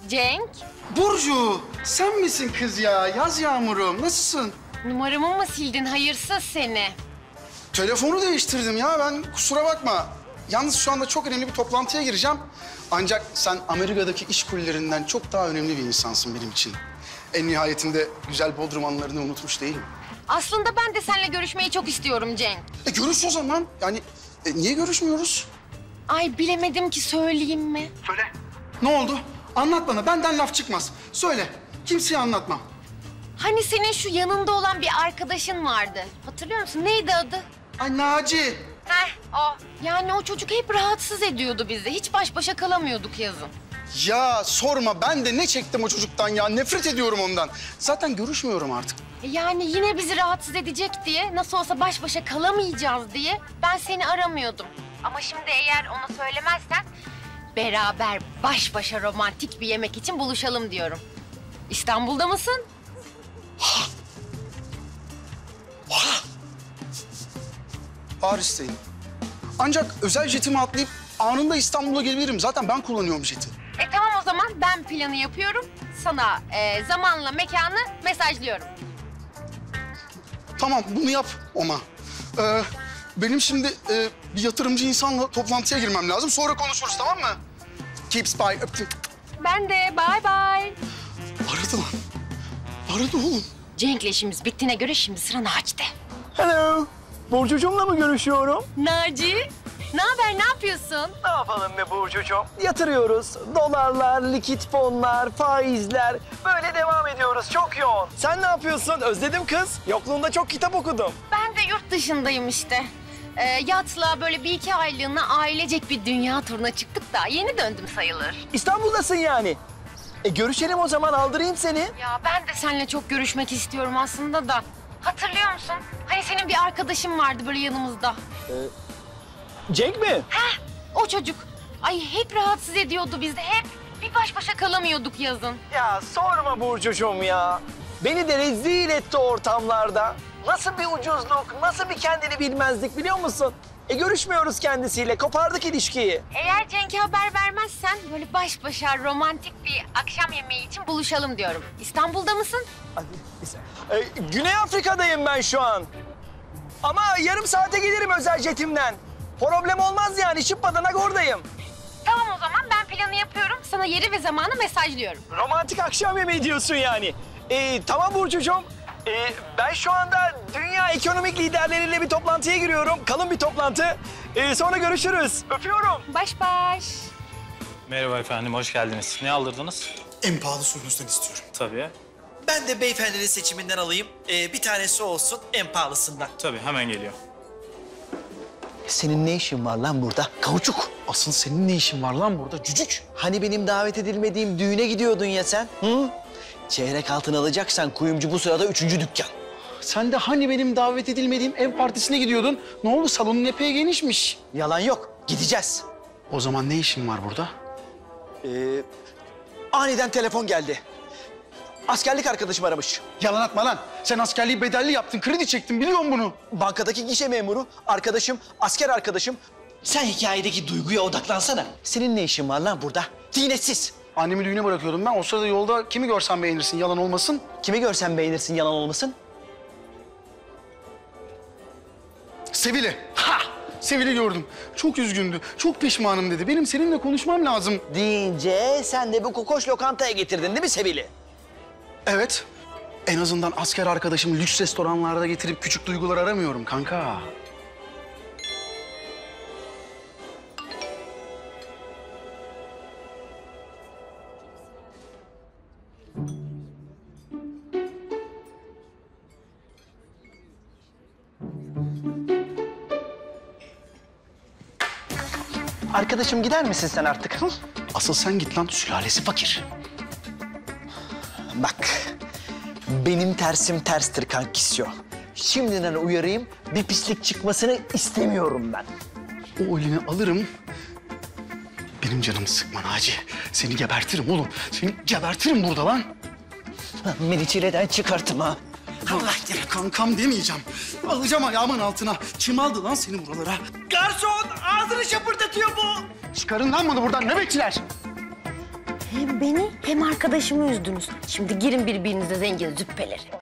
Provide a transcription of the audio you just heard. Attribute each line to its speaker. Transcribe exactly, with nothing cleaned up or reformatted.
Speaker 1: Cenk.
Speaker 2: Burcu, sen misin kız ya? Yaz Yağmur'um, nasılsın?
Speaker 1: Numaramı mı sildin hayırsız seni?
Speaker 2: Telefonu değiştirdim ya, ben kusura bakma. Yalnız şu anda çok önemli bir toplantıya gireceğim. Ancak sen Amerika'daki iş kullerinden çok daha önemli bir insansın benim için. En nihayetinde güzel Bodrum anılarını unutmuş değilim.
Speaker 1: Aslında ben de seninle görüşmeyi çok istiyorum Cenk.
Speaker 2: E görüş o zaman. Yani e, niye görüşmüyoruz?
Speaker 1: Ay bilemedim ki söyleyeyim mi?
Speaker 2: Söyle. Ne oldu? Anlat bana, benden laf çıkmaz. Söyle, kimseye anlatmam.
Speaker 1: Hani senin şu yanında olan bir arkadaşın vardı. Hatırlıyor musun? Neydi adı?
Speaker 2: Ay Naci.
Speaker 1: Heh, o. Yani o çocuk hep rahatsız ediyordu bizi. Hiç baş başa kalamıyorduk yazın.
Speaker 2: Ya sorma, ben de ne çektim o çocuktan ya. Nefret ediyorum ondan. Zaten görüşmüyorum artık.
Speaker 1: E Yani yine bizi rahatsız edecek diye, nasıl olsa baş başa kalamayacağız diye ben seni aramıyordum. Ama şimdi eğer ona söylemezsen beraber baş başa romantik bir yemek için buluşalım diyorum. İstanbul'da mısın?
Speaker 2: Paris'teyim. Ancak özel jetimi atlayıp anında İstanbul'a gelebilirim. Zaten ben kullanıyorum jeti.
Speaker 1: E tamam o zaman ben planı yapıyorum. Sana e, zamanla mekanı mesajlıyorum.
Speaker 2: Tamam, bunu yap Oma. Ee, benim şimdi e, bir yatırımcı insanla toplantıya girmem lazım. Sonra konuşuruz, tamam mı? Keeps by. Öptüm.
Speaker 1: Ben de bye bye.
Speaker 2: Aradı lan. Aradı oğlum.
Speaker 1: Cenk'le işimiz bittiğine göre şimdi sıra Naci'de.
Speaker 3: Hello. Burcucuğumla mı görüşüyorum?
Speaker 1: Naci, ne haber, ne yapıyorsun?
Speaker 3: Ne yapalım be Burcucuğum? Yatırıyoruz. Dolarlar, likit fonlar, faizler. Böyle devam ediyoruz. Çok yoğun. Sen ne yapıyorsun? Özledim kız. Yokluğunda çok kitap okudum.
Speaker 1: Ben de yurt dışındayım işte. Ee, yatla böyle bir iki aylığına ailecek bir dünya turuna çıktık da yeni döndüm sayılır.
Speaker 3: İstanbul'dasın yani. E görüşelim o zaman, aldırayım seni.
Speaker 1: Ya ben de seninle çok görüşmek istiyorum aslında da. Hatırlıyor musun? Hani senin bir arkadaşın vardı böyle yanımızda.
Speaker 3: Cenk mi?
Speaker 1: Heh, o çocuk. Ay hep rahatsız ediyordu bizi, hep. Bir baş başa kalamıyorduk yazın.
Speaker 3: Ya sorma Burcucuğum ya. Beni de rezil etti ortamlarda. Nasıl bir ucuzluk, nasıl bir kendini bilmezlik biliyor musun? E görüşmüyoruz kendisiyle, kopardık ilişkiyi.
Speaker 1: Eğer Cenk'e haber vermezsen böyle baş başa romantik bir akşam yemeği için buluşalım diyorum. İstanbul'da mısın?
Speaker 3: Hadi, e, Güney Afrika'dayım ben şu an. Ama yarım saate gelirim özel jetimden. Problem olmaz yani, şıpadanak oradayım.
Speaker 1: Tamam o zaman ben planı yapıyorum. Sana yeri ve zamanı mesajlıyorum.
Speaker 3: Romantik akşam yemeği diyorsun yani. E, tamam Burcucuğum. E, ben şu anda dünya ekonomik liderleriyle bir toplantıya giriyorum. Kalın bir toplantı. E, sonra görüşürüz. Öpüyorum.
Speaker 1: Baş baş.
Speaker 4: Merhaba efendim, hoş geldiniz. Ne aldırdınız?
Speaker 2: En pahalı suyunuzdan istiyorum.
Speaker 4: Tabii,
Speaker 5: Ben de beyefendinin seçiminden alayım. Ee, bir tanesi olsun en pahalısından.
Speaker 4: tabii. Hemen geliyor.
Speaker 3: Senin ne işin var lan burada? Kauçuk.
Speaker 2: Asıl senin ne işin var lan burada cücük?
Speaker 3: Hani benim davet edilmediğim düğüne gidiyordun ya sen? Hı? Çeyrek altın alacaksan kuyumcu bu sırada üçüncü dükkan.
Speaker 2: Sen de hani benim davet edilmediğim ev partisine gidiyordun. Ne oldu? Salonun epey genişmiş.
Speaker 3: Yalan yok. Gideceğiz.
Speaker 2: O zaman ne işin var burada?
Speaker 3: Ee, aniden telefon geldi. Askerlik arkadaşım aramış.
Speaker 2: Yalan atma lan. Sen askerliği bedelli yaptın, kredi çektin. Biliyorum bunu.
Speaker 3: Bankadaki gişe memuru, arkadaşım, asker arkadaşım. Sen hikayedeki duyguya odaklansana. Senin ne işin var lan burada? Tiynetsiz.
Speaker 2: Annemi düğüne bırakıyordum ben. O sırada yolda kimi görsen beğenirsin, yalan olmasın.
Speaker 3: Kimi görsen beğenirsin, yalan olmasın.
Speaker 2: Sevil'i. Ha! Sevil'i gördüm. Çok üzgündü. Çok pişmanım dedi. Benim seninle konuşmam lazım.
Speaker 3: Deyince sen de bu kokoş lokantaya getirdin değil mi Sevil'i?
Speaker 2: Evet. En azından asker arkadaşımı lüks restoranlarda getirip küçük duygular aramıyorum kanka.
Speaker 3: Arkadaşım gider misin sen artık? Hı?
Speaker 2: Asıl sen git lan, sülalesi fakir.
Speaker 3: Bak, benim tersim terstir kankisyo. Şimdiden uyarayım, bir pislik çıkmasını istemiyorum ben.
Speaker 2: O elini alırım. Benim canımı sıkma Naci. Seni gebertirim oğlum. Seni gebertirim burada lan.
Speaker 3: Beni çileden çıkartma.
Speaker 2: Allah ya kankam demeyeceğim. Alacağım ayağımın altına. Kim aldı lan seni buralara?
Speaker 5: Garson ağzını şapırdatıyor bu.
Speaker 2: Çıkarın lan bunu buradan nöbetçiler.
Speaker 1: Hem beni hem arkadaşımı üzdünüz. Şimdi girin birbirinize zengin züppeleri.